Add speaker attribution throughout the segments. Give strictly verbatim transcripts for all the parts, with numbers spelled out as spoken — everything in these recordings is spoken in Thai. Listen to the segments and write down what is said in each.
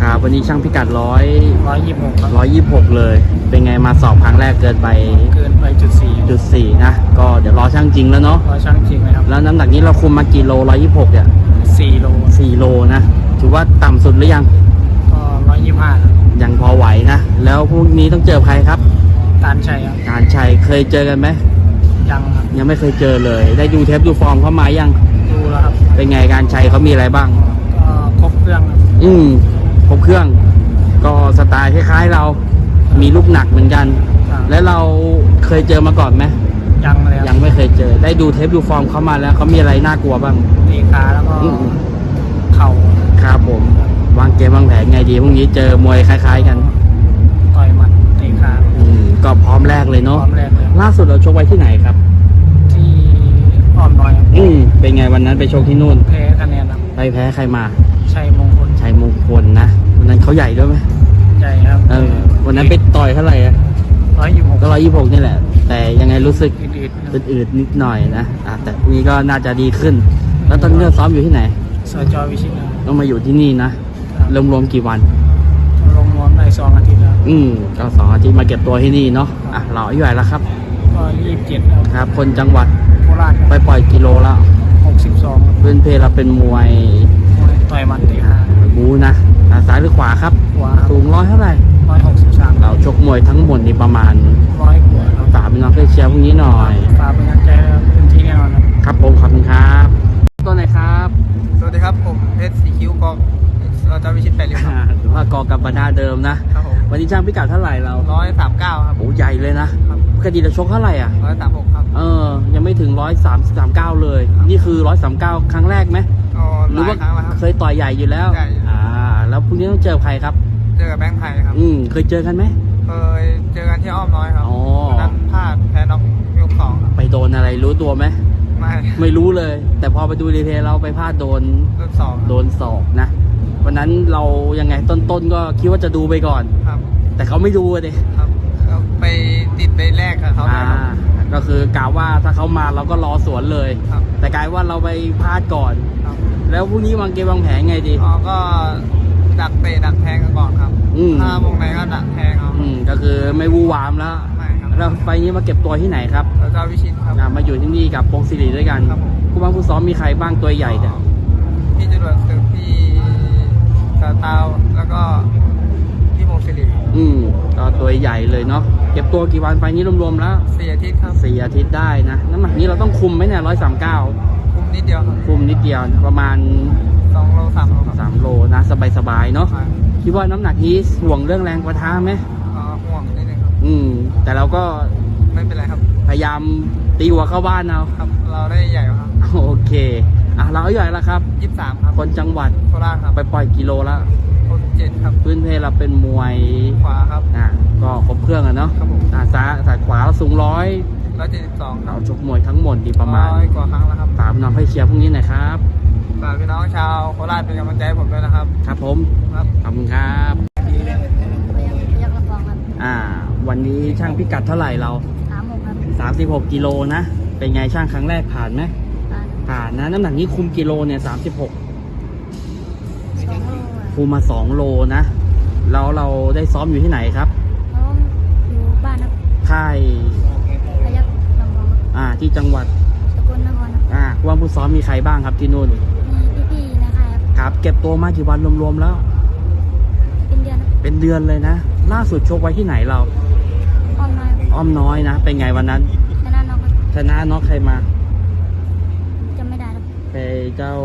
Speaker 1: ครับวันนี้ช่างพิกัดร้อย
Speaker 2: ร้อยยี่สิบหกครับ
Speaker 1: ร้อยยี่สิบหกเลย เป็นไงมาสอบครั้งแรกเกินไป
Speaker 2: เกินไปจุดสี่
Speaker 1: จุดสี่นะก็เดี๋ยวรอช่างจริงแล้วเนาะ
Speaker 2: ร้อยช่างจริงไหมครับ
Speaker 1: แล้วน้ำหนักนี้เราคุมมากี่โลร้อยยี่สิบหกเนี่ย
Speaker 2: สี่โล
Speaker 1: สี่โลนะถือว่าต่ำสุดหรือยัง
Speaker 2: ก็ร้อยยี่สิบห้า
Speaker 1: ยังพอไหวนะแล้วพรุ่งนี้ต้องเจอใครครับ
Speaker 2: การชัยครับ
Speaker 1: การชัยเคยเจอกันไหม
Speaker 2: ยังครับ
Speaker 1: ยังไม่เคยเจอเลย ได้ดูเทปดูฟอร์มเขามายัง
Speaker 2: ดูแล้วครับ
Speaker 1: เป็นไงการชัยเขามีอะไรบ้าง
Speaker 2: ก็ครบเครื่องครับ
Speaker 1: อืมครบเครื่อง ก็สไตล์คล้ายๆเรา มีลูกหนักเหมือนกัน
Speaker 2: ครับ
Speaker 1: แล้วเราเคยเจอมาก่อนไหม
Speaker 2: ยังเลยค
Speaker 1: ยั
Speaker 2: รับ
Speaker 1: งไม่เคยเจอ ได้ดูเทปดูฟอร์มเขามาแล้วเขามีอะไรน่ากลัวบ้าง
Speaker 2: ตีขาแล้วก็
Speaker 1: อืม
Speaker 2: เข่า
Speaker 1: ครับผม วางเกมวางแผนไงดีพรุ่งนี้เจอมวยคล้ายๆกัน
Speaker 2: ต่อยหมัดตีขา
Speaker 1: อืมก็พร้อมแรกเลย
Speaker 2: พร้
Speaker 1: เนาะ
Speaker 2: อมแรกเลย
Speaker 1: ล่าสุดเราชกไว้ที่ไหนครับ
Speaker 2: ที่อ้อมน้อยครับ
Speaker 1: อืมเป็นไงวันนั้นไปชกที่นู่น
Speaker 2: แพ้คะแนนครับ
Speaker 1: ไปแพ้ใครมา
Speaker 2: ชัยมงคล
Speaker 1: ชัยมงคลนะวันนั้นเขาใหญ่ด้วยไหม
Speaker 2: ใหญ่ครับ
Speaker 1: เออวันนั้นไปต่อยเท่าไหร่อะ
Speaker 2: ร้อยยี่สิบหก
Speaker 1: ก็ร้อยยี่สิบหกนี่แหละ แต่ยังไงรู้สึก
Speaker 2: อืดๆครับ
Speaker 1: อืดๆนิดหน่อยนะอ่ะแต่พรุ่งนี้ก็น่าจะดีขึ้น แล้วตอนนี้เราซ้อมอยู่ที่ไหน
Speaker 2: สจวิชิตครับ
Speaker 1: ต้องมาอยู่ที่นี่นะรวมๆกี่วัน
Speaker 2: ลงรวมได้สองอาทิตย์แล้ว
Speaker 1: อืมก็สองอาทิตย์มาเก็บตัวที่นี่เนาะอ่ะเราอายุเท่าไหร่แล้วครับ
Speaker 2: ก็ยี่สิบเจ็ดครับ
Speaker 1: ครับ คนจังหวัด
Speaker 2: โคราช
Speaker 1: ไปปล่อยกิโลแล้ว
Speaker 2: หกสิบสองครับ
Speaker 1: เพื่อนเพเราเป็นมวย
Speaker 2: ต่อยหมัดตีขา
Speaker 1: บูนะอ่ะซ้ายหรือขวาครับ
Speaker 2: ขวา
Speaker 1: สูงร้อยเท่าไหร่
Speaker 2: ร้อยหกสิบสาม
Speaker 1: เราชกมวยทั้งหมดนี่ประมาณ
Speaker 2: ร้อยกว่าครับ
Speaker 1: ฝากพี่น้องเพื่อนเชียร์พรุ่งนี้หน่อย
Speaker 2: ฝากเป็นกำลังใจให้เต็มที่แน่นอนครับ
Speaker 1: ครับผมขอบคุณครับตัวไหนครับ
Speaker 3: สวัสดีครับ ผมเพชรสีคิ้วกองเราจะวิชิตแปดริ้วครับ
Speaker 1: อ่าถือว่ากอกับบรรดาเดิมนะ
Speaker 3: ครับผม
Speaker 1: วันนี้ช่างพิกัดเท่าไหร่เรา
Speaker 3: ร้อยสามเก้าครับ
Speaker 1: โอ้ใหญ่เลยนะครับ ปกติเราชกเท่าไหร่อ่ะ
Speaker 3: ร้อยสามหกครับ
Speaker 1: เออ ยังไม่ถึงร้อยสามสามเก้าเลย นี่คือร้อยสามเก้าครั้งแรกไหม
Speaker 3: อ๋อ
Speaker 1: ห
Speaker 3: ห
Speaker 1: รือ
Speaker 3: ลา
Speaker 1: ว่าย
Speaker 3: ครั้งแล้วครับ
Speaker 1: เคยต่อยใหญ่อยู่แล้ว
Speaker 3: ใหญ่อยู่
Speaker 1: อ่า แล้วพรุ่งนี้ต้องเจอใครครับ
Speaker 3: เจอกับแบงค์ไทยครับ
Speaker 1: อืม เคยเจอกันไหม
Speaker 3: เคยเจอกันที่อ้อมน้อยครับ
Speaker 1: อ๋อ
Speaker 3: วันนั้นพลาดแพ้น็อกยกสองครับ
Speaker 1: ไปโดนอะไรรู้ตัวไหม
Speaker 3: ไม่
Speaker 1: ไม่รู้เลย แต่พอไปดูรีเพลย์เราไปพลาดโดน
Speaker 3: ยกสอง
Speaker 1: โดนศอกนะ วันนั้นเรายังไงต้นๆก็คิดว่าจะดูไปก่อน
Speaker 3: ครับ
Speaker 1: แต่เขาไม่ดูเลย
Speaker 3: ครับแล้วไปติดไปแรกกับเขาเลย
Speaker 1: อ่า
Speaker 3: ครับ
Speaker 1: ก็คือกล่าวว่าถ้าเขามาเราก็รอสวนเลย
Speaker 3: ครับ
Speaker 1: แต่กลายว่าเราไปพลาดก่อน
Speaker 3: ครับ
Speaker 1: แล้วพรุ่งนี้วางเกมวางแผนไงดี
Speaker 3: อ๋อก็ดักเตะดักแทงกันก่อนครับ
Speaker 1: อืม
Speaker 3: ถ้าวงในก็ดักแทงเอา
Speaker 1: อืมก็คือไม่วูวามแล้ว
Speaker 3: ไม่ครับ
Speaker 1: แล้วไฟล์นี้มาเก็บตัวที่ไหนครับ
Speaker 3: เราจะวิชิตครับ
Speaker 1: อ่ามาอยู่ที่นี่กับพงศิริด้วยกัน
Speaker 3: ครับผม
Speaker 1: ผู้บังผู้ซ้อมมีใครบ้างตัวใหญ่เนี่ย
Speaker 3: พี่จรวดศึกพี่ตาเตาแล้วก็พี่มงศิริ
Speaker 1: อืมก็ตัวใหญ่เลยเนาะเก็บตัวกี่วันไฟล์นี้รวมๆแล้ว
Speaker 3: สี่อาทิตย์ครับ
Speaker 1: สี่อาทิตย์ได้นะน้ำหนักนี้เราต้องคุมไหมเนี่ยร้อยสามเก้า
Speaker 3: คุมนิดเดียวครับ
Speaker 1: คุมนิดเดียวประมาณ
Speaker 3: สองโลสามโลครับ
Speaker 1: สามโลนะสบายๆเนาะ
Speaker 3: ครับ
Speaker 1: คิดว่าน้ำหนักนี้ห่วงเรื่องแรงประทะไหม
Speaker 3: อ๋อห่วงนิดนึงครับ
Speaker 1: อืม แต่เราก็
Speaker 3: ไม่เป็นไรครับ
Speaker 1: พยายามตีหัวเข้าบ้านเอา
Speaker 3: ครับ เราได้ใหญ่กว่าครับ
Speaker 1: โอเค อ่ะเราอายุเท่าไหร่แล้วครับ
Speaker 3: ยี่สิบสามครับ
Speaker 1: คนจังหวัด
Speaker 3: โคราชครับ
Speaker 1: ไปปล่อยกิโลแล้ว
Speaker 3: หกสิบเจ็ดครับ
Speaker 1: พื้นเพเราเป็นมวย
Speaker 3: ขวาครับ
Speaker 1: อ่ะก็ครบเครื่องอะเนาะ
Speaker 3: ครับผม
Speaker 1: อ่ะซ้ายสายขวาเราสูงร้อย
Speaker 3: ร้อยเจ็ดสิบสองครั
Speaker 1: เรา
Speaker 3: บ
Speaker 1: ชกมวยทั้งหมดดีประมาณ
Speaker 3: ร้อยกว่าครั้งแล้วครับ
Speaker 1: ฝากพี่น้องให้เชียร์พรุ่งนี้หน่อยครับ
Speaker 3: ฝากพี่น้องชาวโคราชเป็นกำลังใจให้ผมด้วยนะครับ
Speaker 1: ครับผม
Speaker 3: ครับ
Speaker 1: ขอบคุณครับ
Speaker 4: ยักษ์ละฟองครับ
Speaker 1: อ่า วันนี้ช่างพิกัดเท่าไหร่เรา
Speaker 4: สามหกครับ
Speaker 1: สามสิบหกกิโลนะ เป็นไงช่างครั้งแรกผ่านไหม
Speaker 4: ผ่าน
Speaker 1: ผ่านนะ น้ำหนักนี้คุมกิโลเนี่ยสามสิบหก
Speaker 4: สองโลอะ
Speaker 1: คุมมาสองโลนะ แล้วเราได้ซ้อมอยู่ที่ไหนครับ
Speaker 4: แล้วอยู่บ้านครับ
Speaker 1: ค่าย
Speaker 4: พยักษ์ลำฟองครับ
Speaker 1: อ่า ที่จังหวัด
Speaker 4: สกลนครครับ
Speaker 1: อ่าผู้ว่าผู้ซ้อมมีใครบ้างครับที่นู่น
Speaker 4: มีพี่ๆในค่ายครับ
Speaker 1: ครับ เก็บตัวมากี่วันรวมๆแล้ว
Speaker 4: เป็นเดือนครับ
Speaker 1: เป็นเดือนเลยนะ ล่าสุดชกไว้ที่ไหนเรา
Speaker 4: อ้อมน้อยครับ
Speaker 1: อ้อมน้อยนะ เป็นไงวันนั้น
Speaker 4: ชนะน้องครับ
Speaker 1: ชนะน็อกใครมา
Speaker 4: จำไม่ได้ครับ
Speaker 1: ไปเจ้า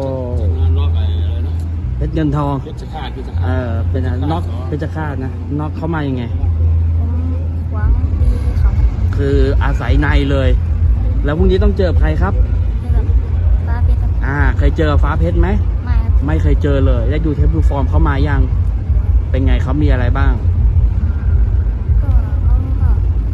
Speaker 1: เพชรเงินทอง เออเป็นอะไรน็อกเพชรฆาตนะน็อกเข้ามายังไง
Speaker 4: ผมหวังตีเขา
Speaker 1: คืออาศัยในเลย แล้วพรุ่งนี้ต้องเจอใครครับ
Speaker 4: ให้แบบฟ้าเพชรครับ
Speaker 1: อ่า เคยเจอฟ้าเพชรไหม
Speaker 4: ไม่ครับ
Speaker 1: ไม่เคยเจอเลย ได้ดูเทปดูฟอร์มเขามายัง เป็นไงเขามีอะไรบ้าง
Speaker 4: ก็เขาก็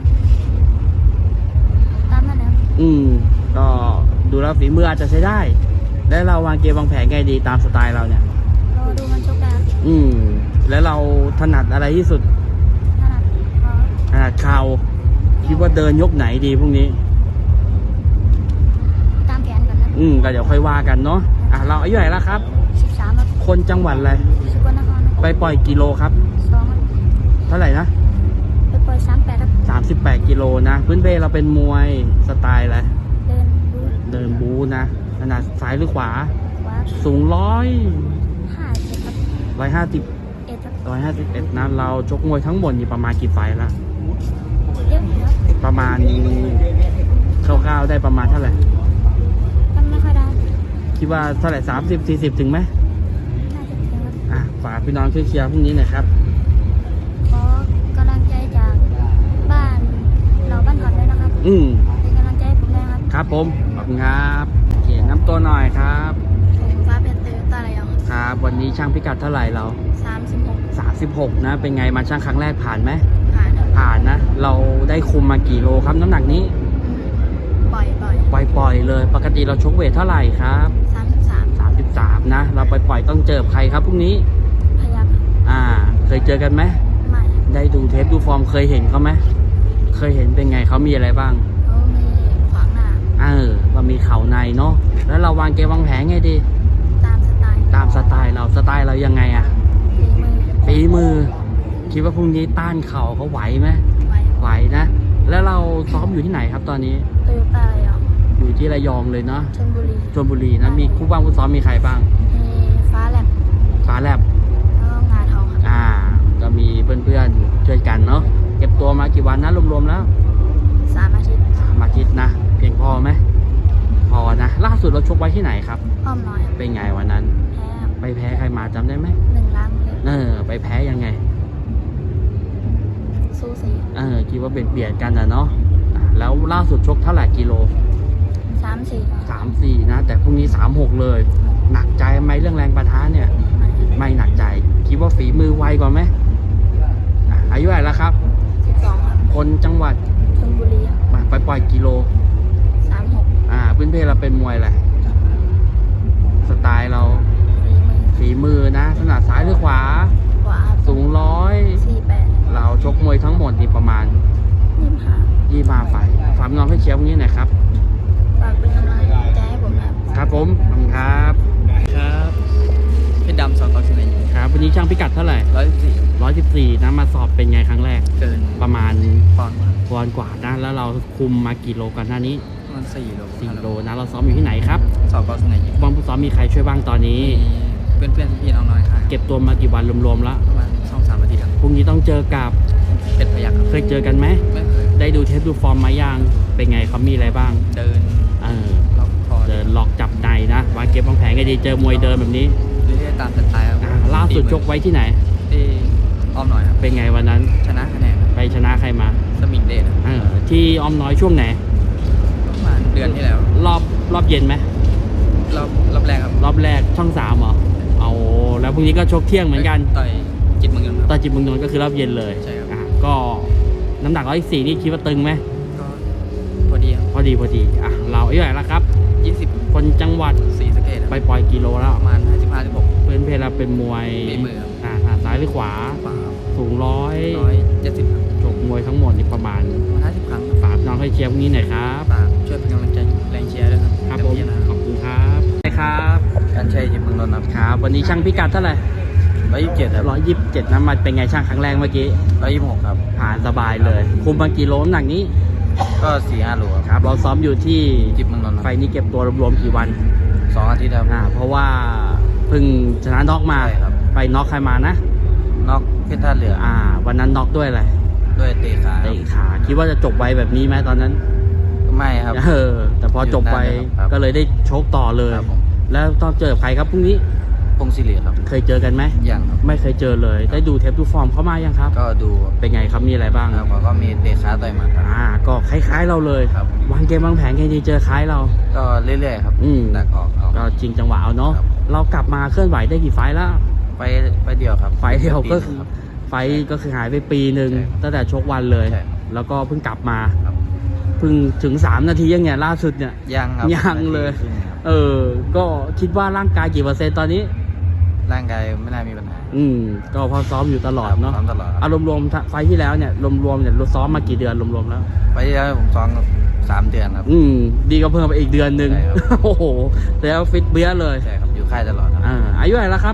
Speaker 4: ตามนั้นนะครับ
Speaker 1: อืม ก็ดูแล้วฝีมืออาจจะใช้ได้ แล้วเราวางเกมวางแผนไงดีตามสไตล์เราเนี่ย
Speaker 4: รอดูมันชกได้ครับ
Speaker 1: อืม แล้วเราถนัดอะไรที่สุด
Speaker 4: นั่นน่ะก็
Speaker 1: ถนัดเข่าคิดว่าเดินยกไหนดีพรุ่งนี้
Speaker 4: ตามแผนก่อนนะ
Speaker 1: อืม ก็เดี๋ยวค่อยว่ากันเนาะ อ่ะ เราอายุเท่าไหร่แล้วครับ
Speaker 4: สิบสามครับ
Speaker 1: คนจังหวัดอะไร
Speaker 4: สกลนครครับ
Speaker 1: ไปปล่อยกิโลครับ
Speaker 4: สองครับ
Speaker 1: เท่าไหร่นะ
Speaker 4: ไปปล่อยสามแปดครับ
Speaker 1: สามสิบแปดกิโลนะ พื้นเพเราเป็นมวยสไตล์อะไร
Speaker 4: เดินดู
Speaker 1: เดินบูนะขนาดซ้ายหรือขวา
Speaker 4: ขวา
Speaker 1: สูงร้อย
Speaker 4: ห้าเจ็ดครับ
Speaker 1: ร้อยห้าสิบ
Speaker 4: เอ็ดครับ
Speaker 1: ร้อยห้าสิบเอ็ดนะเราชกมวยทั้งหมดนี่ประมาณกี่ไฟล์ละ
Speaker 4: เยอะอยู่ครับ
Speaker 1: ประมาณคร่าวๆได้ประมาณเท่าไหร่
Speaker 4: มันไม่ค่อยได้
Speaker 1: คิดว่าเท่าไหร่สามสิบสี่สิบถึงไหม
Speaker 4: น่าจะถึงครับ
Speaker 1: อ่ะฝากพี่น้องช่วยเชียร์พรุ่งนี้หน่อยครับ
Speaker 4: ขอกำลังใจจากบ้านเราบ้านก่อนด้วยนะครับ
Speaker 1: อืม
Speaker 4: เป็นกำลังใจให้ผมด้วยนะครับ
Speaker 1: ครับผมขอบคุณครับโอเคน้ำตัวหน่อยครับ
Speaker 4: ผมฟ้าเป็นตือตาอะไรยัง
Speaker 1: ครับ วันนี้ช่างพิกัดเท่าไหร่เรา
Speaker 4: สามสิบหก
Speaker 1: สามสิบหกนะ เป็นไงมาช่างครั้งแรกผ่านไหม
Speaker 4: ผ่านครับ
Speaker 1: ผ่านนะ เราได้คุมมากี่โลครับน้ำหนักนี้
Speaker 4: อืมปล่อยปล่อย
Speaker 1: ปล่อยๆเลย ปกติเราชกเวทเท่าไหร่ครับ
Speaker 4: สามสิบสาม
Speaker 1: สามสิบสามนะ เราปล่อยๆต้องเจอใครครับพรุ่งนี้
Speaker 4: พยัก
Speaker 1: อ่า เคยเจอกันไหม
Speaker 4: ใหม่
Speaker 1: ได้ดูเทปดูฟอร์มเคยเห็นเขาไหมเคยเห็นเป็นไงเขามีอะไรบ้าง
Speaker 4: เขามีขวางหน้า
Speaker 1: เออว่ามีเข่าในเนาะ แล้วเราวางเกมวางแผนไงดี
Speaker 4: ตามสไตล์
Speaker 1: ตามสไตล์เราสไตล์เรายังไงอะ
Speaker 4: ฝีมือ
Speaker 1: ฝีมือ คิดว่าพรุ่งนี้ต้านเข่าเขาไหวไหม
Speaker 4: ไว้
Speaker 1: ไหวนะ แล้วเราซ้อมอยู่ที่ไหนครับตอนนี้
Speaker 4: โตโยต้าอะไรยัง
Speaker 1: อยู่ที่ระยองเลยเนาะ
Speaker 4: ชลบุรี
Speaker 1: ชลบุรีนะ มีคู่บ้างคู่ซ้อมมีใครบ้าง
Speaker 4: มีฟ้าแลบ
Speaker 1: ฟ้าแลบ
Speaker 4: แล้วก็งาทองครับ
Speaker 1: อ่า ก็มีเพื่อนๆช่วยกันเนาะ เก็บตัวมากี่วันนะรวมๆแล้ว
Speaker 4: สามอาทิตย์
Speaker 1: สามอาทิตย์นะ เพียงพอไหม พอนะ ล่าสุดเราชกไว้ที่ไหนครับ
Speaker 4: อ้อมน้อยครับ
Speaker 1: เป็นไงวันนั้น
Speaker 4: แพ้ครับ
Speaker 1: ไปแพ้ใครมาจำได้ไหม
Speaker 4: หนึ่งล้านเลย
Speaker 1: เออ ไปแพ้ยังไง
Speaker 4: สู้สี
Speaker 1: เออ คิดว่าเบียดเบียดกันนะเนาะอ่ะแล้วล่าสุดชกเท่าไหร่กิโล
Speaker 4: สามสี่
Speaker 1: สามสี่นะ แต่พรุ่งนี้สามหกเลย หนักใจไหมเรื่องแรงประทะเนี่ย
Speaker 4: ไม่
Speaker 1: ไม่หนักใจ คิดว่าฝีมือไวกว่าไหมอ่ะอายุเท่าไหร่แล้วครับ
Speaker 4: สิบสองครับ
Speaker 1: คนจังหวัด
Speaker 4: ชลบุรีครับ
Speaker 1: มาไปปล่อยกิโล
Speaker 4: สามหก
Speaker 1: อ่าพื้นเพเราเป็นมวยแหละไรสไตล์เรา
Speaker 4: ฝีมือ
Speaker 1: ฝีมือนะถนัดซ้ายหรือขวา
Speaker 4: ขวาครับ
Speaker 1: สูงร้อย
Speaker 4: สี่แปด
Speaker 1: เราชกมวยทั้งหมดนี่ประมาณ
Speaker 4: ยี่สิบห้า
Speaker 1: ยี่มาไฟฝากน้องให้เชียร์พวกนี้หน่อยครับ
Speaker 4: ฝากเป็นกำลังใจให้ผมนะครับ
Speaker 1: ครับผมขอบคุณครับ
Speaker 2: ครับเพชรดำสองต่อสิบเอ็ด
Speaker 1: ครับวันนี้ช่างพิกัดเท่าไหร่
Speaker 2: ร้อยสิบสี่
Speaker 1: ร้อยสิบสี่นะมาสอบเป็นไงครั้งแรก
Speaker 2: เกิน
Speaker 1: ประมาณ
Speaker 2: ปอนด์มา
Speaker 1: ปอนด์กว่านะแล้วเราคุมมากี่โลก่อนหน้านี้
Speaker 2: ประมันสี่โล
Speaker 1: สี่โลนะเราซ้อมอยู่ที่ไหนครับ
Speaker 2: สอบต่อสิบเอ็ด
Speaker 1: บอลผู้ซ้อมมีใครช่วยบ้างตอนนี้
Speaker 2: มีเพื่อนเพื่อนๆพี่ๆน้องๆค่ะ
Speaker 1: เก็บตัวมากี่วันรวมๆแล้ว
Speaker 2: ประมาณสองสามอาทิตย์ครับ
Speaker 1: พรุ่งนี้ต้องเจอกับ
Speaker 2: เป็นพยักครับ
Speaker 1: เคยเจอกันไหม
Speaker 2: ไม่เคย
Speaker 1: ได้ดูเทปดูฟอร์มมายังเป็นไงเขามีอะไรบ้าง
Speaker 2: เดิน
Speaker 1: เออ
Speaker 2: ล็อกคอ
Speaker 1: เดินล็อกจับในนะวางเก็บวางแผนก็ดีเจอมวยเดินแบบนี้
Speaker 2: เรื่อยๆตามสไตล์ครับ
Speaker 1: อ่าล่าสุดชกไว้ที่ไหน
Speaker 2: ที่อ้อมหน่อยครับ
Speaker 1: เป็นไงวันนั้น
Speaker 2: ชนะคะแนนครับ
Speaker 1: ไปชนะใครมา
Speaker 2: สมิงเดชครับ
Speaker 1: เออที่อ้อมน้อยช่วงไหน
Speaker 2: ประมาณเดือนที่แล้ว
Speaker 1: รอบรอบเย็นไหม
Speaker 2: รอบรอบแรกครับ
Speaker 1: รอบแรกช่องสามเหรอเอาแล้วพรุ่งนี้ก็ชกเที่ยงเหมือนกัน
Speaker 2: ต่อยจิตเมืองยนต์ค
Speaker 1: ตอ
Speaker 2: รับ
Speaker 1: นจิบเมืองนนท์ก็คือรอบเย็นเลย
Speaker 2: ใช่ครับ
Speaker 1: อ่ะก็น้ำหนักร้อยสี่นี่คิดว่าตึงไหม
Speaker 2: ก็พอดีครับ
Speaker 1: พอดีพอดีอ่ะเราอายุเท่าไหร่แล้วครับ
Speaker 2: ยี่สิบ
Speaker 1: คนจังหวัด
Speaker 2: สี่สะเกต
Speaker 1: ไปปล่อยกิโลแล้ว
Speaker 2: ประมาณห้าสิบห้าสิบหก
Speaker 1: เพื่อนเพลเราเป็นมวย
Speaker 2: ฝีมือครับ
Speaker 1: อ่าถนัดซ้ายหรือขวา
Speaker 2: กว่าครับ
Speaker 1: สูงร้อย
Speaker 2: ร้อยเจ็ดสิบครับ
Speaker 1: ชกมวยทั้งหมดนี่ประมาณ
Speaker 2: ห้าสิบครั้ง
Speaker 1: ฝากน้องให้เชียร์พวกนี้หน่อยครับ
Speaker 2: ฝากช่วยเป็นกำลังใจแรงเชียร์ด้วยครับ
Speaker 1: ครับ
Speaker 2: เต็
Speaker 1: ผม
Speaker 2: ที่นะ
Speaker 1: ขอบคุณครับใช่ครับ
Speaker 2: การใช้จิตเมืองนนท์ครับ
Speaker 1: ครับวันนี้ช่างพิกัดเท่าไหร่
Speaker 2: ร้อยยี่สิบเจ็ดครับ
Speaker 1: ร้อยยี่สิบเจ็ดน้ำมันเป็นไงช่างครั้งแรกเมื่อกี้
Speaker 2: ร้อยยี่สิบหกครับ
Speaker 1: ผ่านสบายเลย คุมมากี่โลน้ำหนักนี้
Speaker 2: ก็สี่ห้าโล
Speaker 1: ครับ เราซ้อมอยู่ที่
Speaker 2: จิตเมืองนนท์
Speaker 1: ไฟนี้เก็บตัวรวมๆกี่วัน
Speaker 2: สองอาทิตย์ครับ
Speaker 1: อ่าเพราะว่าเพิ่งชนะน็อกมา
Speaker 2: ใช่ครับ
Speaker 1: ไปน็อกใครมานะ
Speaker 2: นอกเพชรท่าเรือ
Speaker 1: อ่า วันนั้นน็อกด้วยอะไร
Speaker 2: ด้วยเตะขา
Speaker 1: เตะขาคิดว่าจะจบไวแบบนี้ไหมตอนนั้น
Speaker 2: ไม่ครับ
Speaker 1: เออแต่พอจบไป
Speaker 2: ครับ
Speaker 1: ก็เลยได้ชกต่อเลย
Speaker 2: ครับผม
Speaker 1: แล้วต้องเจอใครครับพรุ่งนี้
Speaker 2: พงศิริครับ
Speaker 1: เคยเจอกันไหม
Speaker 2: ยังครับ
Speaker 1: ไม่เคยเจอเลย ได้ดูเทปดูฟอร์มเขามายังครับ
Speaker 2: ก็ดู
Speaker 1: เป็นไงครับมีอะไรบ้าง
Speaker 2: ครับแล้วก็มีเตะขาต่อยหมัดครับ
Speaker 1: อ่าก็คล้ายๆเราเลย
Speaker 2: ครับ
Speaker 1: วางเกมวางแผนไงดีเจอคล้ายเรา
Speaker 2: ก็เรื่อยๆครับ
Speaker 1: อืม
Speaker 2: ดักออกเอา
Speaker 1: ก็จริงจังหวะเอาเนาะ
Speaker 2: ครับ
Speaker 1: เรากลับมาเคลื่อนไหวได้กี่ไฟล์แล้ว
Speaker 2: ไปไปเดียวครับ
Speaker 1: ไฟล์เดียวก็คือ
Speaker 2: ครับ
Speaker 1: ไฟล์ก็คือหายไปปีหนึ่ง
Speaker 2: ใช่ครับ
Speaker 1: ตั้งแต่ชกวันเลย
Speaker 2: ใช่ครับ
Speaker 1: แล้วก็เพิ่งกลับมา
Speaker 2: ครับ
Speaker 1: เพิ่งถึงสามนาทียังเนี่ยล่าสุดเนี่ย
Speaker 2: ยังครับ
Speaker 1: ยังเลย
Speaker 2: นาทีครึ่งครับ
Speaker 1: เออ ก็คิดว่าร่างกายกี่เปอร์เซ็นต์ตอนนี้
Speaker 2: ร่างกายไม่น่ามีปัญหา
Speaker 1: อืมก็พอซ้อมอยู่ตลอดเนาะ
Speaker 2: ซ้อมตลอดครับ
Speaker 1: อารมณ์รวมๆไฟล์ที่แล้วเนี่ยรวมๆเนี่ยเราซ้อมมากี่เดือนรวมๆแล้ว
Speaker 2: ไปที่แล้วผมซ้อมสามเดือนครับ
Speaker 1: อืมดีก็เพิ่มไปอีกเดือนหนึ่ง
Speaker 2: ใช่ครับ
Speaker 1: โอ้โหแล้วฟิตเบี้ยเลย
Speaker 2: ใช่ครับอยู่ค่ายตลอดครับ
Speaker 1: อ่าอายุเท่าไหร่แล้วครับ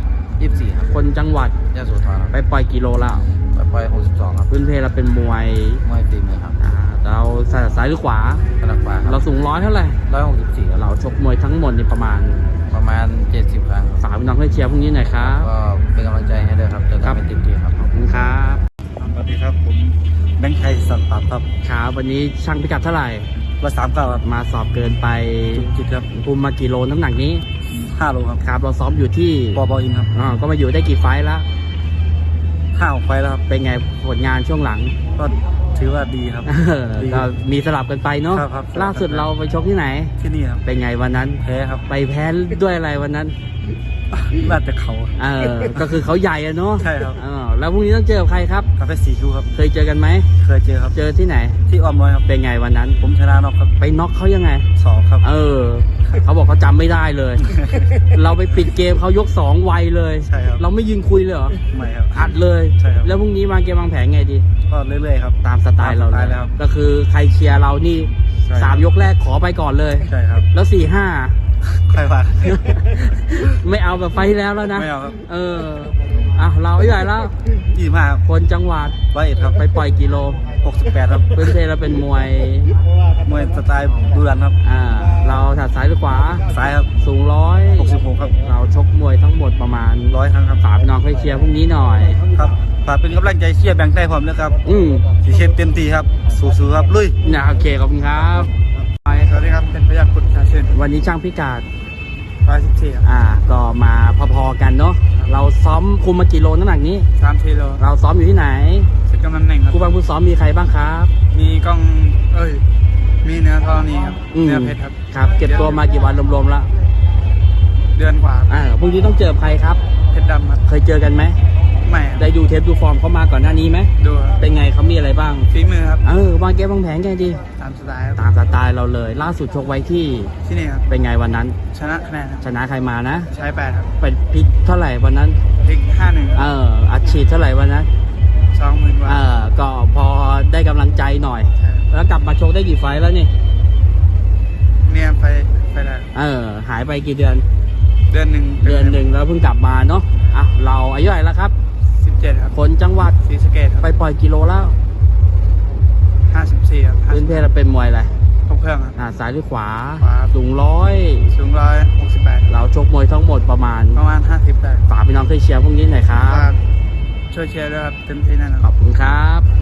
Speaker 2: ยี่สิบสี่ครับ
Speaker 1: คนจังหวัด
Speaker 2: ยะโสธรครับ
Speaker 1: ไปปล่อยกิโลแล้ว
Speaker 2: ไปปล่อยหกสิบสองครับ
Speaker 1: พื้นเพเราเป็นมวย
Speaker 2: มวยตีมือครับ
Speaker 1: อ่าเราถนัดซ้ายหรือขวา
Speaker 2: กระดักปลาค
Speaker 1: เรา
Speaker 2: รับ
Speaker 1: สูงร้อยเท่าไหร่
Speaker 2: ร้อยหกสิบสี่ครับ
Speaker 1: เราชกมวยทั้งหมดนี่ประมาณ
Speaker 2: ประมาณเจ็ดสิบครั้งครับ
Speaker 1: ฝากพี่น้องให้เชียร์พรุ่งนี้หน่อยครับ
Speaker 2: ก็เป็นกำลังใจให้ด้วยครับจะ
Speaker 1: ครับ
Speaker 2: ทำให้เต็มที่ครับ
Speaker 1: ขอบคุณครับ
Speaker 5: สวัสดีครับผมแบงค์ไทยสัตว์ป่าครับ
Speaker 1: ครับวันนี้ช่างพิกัดเท่าไหร่
Speaker 5: ร้อยสามเก้าครับ
Speaker 1: มาสอบเกินไป
Speaker 5: จุกจิตครับ
Speaker 1: คุมมากี่โลน้ำหนักนี้
Speaker 5: ห้าโลครับ
Speaker 1: ครับเราซ้อมอยู่ที่
Speaker 5: ปอบออินครับ
Speaker 1: อ่าก็มาอยู่ได้กี่ไฟล์แล้ว
Speaker 5: ห้าออกไปแล้วครับ
Speaker 1: เป็นไงผลงานช่วงหลัง
Speaker 5: ก็ถือว่าดีครับ ดี
Speaker 1: ก็มีสลับกันไปเนาะ
Speaker 5: ครับครับ
Speaker 1: ล่าสุดเราไปชกที่ไหน
Speaker 5: ที่นี่ครับ
Speaker 1: เป็นไงวันนั้น
Speaker 5: แพ้ครับ
Speaker 1: ไปแพ้ด้วยอะไรวันนั้น
Speaker 5: น่าจะเขา
Speaker 1: เออ ก็คือเขาใหญ่อะเนาะ
Speaker 5: ใช่ครับ
Speaker 1: เออแล้วพรุ่งนี้ต้องเจอกับใครครับ
Speaker 5: คาเฟ่สีคิวครับ
Speaker 1: เคยเจอกันไหม
Speaker 5: เคยเจอครับ
Speaker 1: เจอที่ไหน
Speaker 5: ที่อ้อมน้อยครับ
Speaker 1: เป็นไงวันนั้น
Speaker 5: ผมชนะน็อกครับ
Speaker 1: ไปน็อกเขายังไง
Speaker 5: สองครับ
Speaker 1: เออ เขาบอกเขาจำไม่ได้เลย เราไปปิดเกมเขายกสองไวเลย
Speaker 5: ใช่ครับ
Speaker 1: เราไม่ยืนคุยเลยเหรอ
Speaker 5: ไม่ครับ
Speaker 1: อัดเลย
Speaker 5: ใช่ครับ
Speaker 1: แล้วพรุ่งนี้วางเกมวางแผนไงดี
Speaker 5: ก็เรื่อยๆครับ
Speaker 1: ตามสไตล์เรา
Speaker 5: ตมส
Speaker 1: เล
Speaker 5: ไต
Speaker 1: ย
Speaker 5: แล้วครับ
Speaker 1: ก็คือใครเชียร์เรานี่
Speaker 5: ใช่
Speaker 1: สามยกแรกขอไปก่อนเลย
Speaker 5: ใช่ครับ
Speaker 1: แล้วสี่ห้า
Speaker 5: ใครว่า
Speaker 1: ไม่เอาแบบไฟล์ที่แล้วแล้วนะ
Speaker 5: ไม่เอาครับ
Speaker 1: เอออ่ะเราใหญ่แล้ว
Speaker 5: ยี่สิบห้าครับ
Speaker 1: คนจังหวัด
Speaker 5: ร้อยเอ็ดครับ
Speaker 1: ไปปล่อยกิโล
Speaker 5: หกสิบแปดครับ
Speaker 1: พื้นเพเราเป็นมวย
Speaker 5: มวยสไตล์ดูดันครับ
Speaker 1: อ่า เราถัดซ้ายหรือขวา
Speaker 5: ซ้ายครับ
Speaker 1: สูงร้อย
Speaker 5: หกสิบหกครับ
Speaker 1: เราชกมวยทั้งหมดประมาณ
Speaker 5: ร้อยครั้งครับ
Speaker 1: ฝากพี่น้องให้เชียร์พรุ่งนี้หน่อย
Speaker 5: ครับฝากเป็นกำลังใจเชียร์แบงค์ไทยผมนะครับ
Speaker 1: อืม
Speaker 5: สีเชฟเต็มที่ครับ สู้ๆครับ ลุย
Speaker 1: นะโอเคขอบคุณครับ
Speaker 3: สวัสดีครับเป็นพยัคฆ์กุฎชาเชน
Speaker 1: วันนี้ช่างพิกัด
Speaker 3: ร้อยสิบสี่ครับ
Speaker 1: อ่า ก็มาพอๆกันเนาะ เราซ้อมคุมมากี่โลน้ำหนักนี้
Speaker 3: สามกิโล
Speaker 1: เราซ้อมอยู่ที่ไหน
Speaker 3: สิบกำลังหนึ่งครับ
Speaker 1: ครูบังผู้ซ้อมมีใครบ้างครับ
Speaker 3: มีกล้องเอ้ยมีเนื้อทองนี้ครับ
Speaker 1: อืม
Speaker 3: เนื้อเพชรครับ
Speaker 1: ครับ เก็บตัวมากี่วันรวมๆแล้ว
Speaker 3: เดือนกว่า
Speaker 1: อ่าพรุ่งนี้ต้องเจอใครครับ
Speaker 3: เพชรดำครับ
Speaker 1: เคยเจอกันไหม
Speaker 3: ไม่ครับ
Speaker 1: ได้ดูเทปดูฟอร์มเขามาก่อนหน้านี้ไหม
Speaker 3: ดูครับ
Speaker 1: เป็นไงเขามีอะไรบ้าง
Speaker 3: ฝีมือครับ
Speaker 1: เออวางเกมวางแผนไงดี
Speaker 3: ตามสไตล์ครับ
Speaker 1: ตามสไตล์เราเลย ล่าสุดชกไว้ที่
Speaker 3: ที่นี่ครับ
Speaker 1: เป็นไงวันนั้น
Speaker 3: ชนะคะแนนครับ
Speaker 1: ชนะใครมานะ
Speaker 3: ใช้แปดครับ
Speaker 1: เป็นพลิกเท่าไหร่วันนั้น
Speaker 3: พลิกห้าหนึ่ง
Speaker 1: เอออัดฉีดเท่าไหร่วันนั้น
Speaker 3: สองหมื่นกว่า
Speaker 1: เออก็พอได้กำลังใจหน่อย
Speaker 3: ใช่ครับ
Speaker 1: แล้วกลับมาชกได้กี่ไฟล์แล้วนี่
Speaker 3: เนี่ยไปไปแล้ว
Speaker 1: เออ หายไปกี่เดือน
Speaker 3: เดือนหนึ่ง
Speaker 1: เดือนหนึ่งแล้วเพิ่งกลับมาเนาะ อ่ะ เราอายุเท่าไหร่แล้วครับ
Speaker 3: สิบเจ็ดครับ
Speaker 1: คนจังหวัด
Speaker 3: ศรีสะเกษครับ
Speaker 1: ไปปล่อยกิโลแล้ว
Speaker 3: ห้าสิบสี่ครับ
Speaker 1: พื้นเพเราเป็นมวยอะไร
Speaker 3: ครบเครื่องครับ
Speaker 1: อ่าซ้ายหรือขวา
Speaker 3: ขวา
Speaker 1: สูงร้อย
Speaker 3: สูงร้อยหกสิบแปด
Speaker 1: เราชกมวยทั้งหมดประมาณ
Speaker 3: ประมาณห้าสิบแปด
Speaker 1: ฝากพี่น้องช่วยเชียร์พวกนี้หน่อยครับ
Speaker 3: ฝากช่วยเชียร์ด้วยครับเต็มที่แน่นอน
Speaker 1: ขอบคุณครับ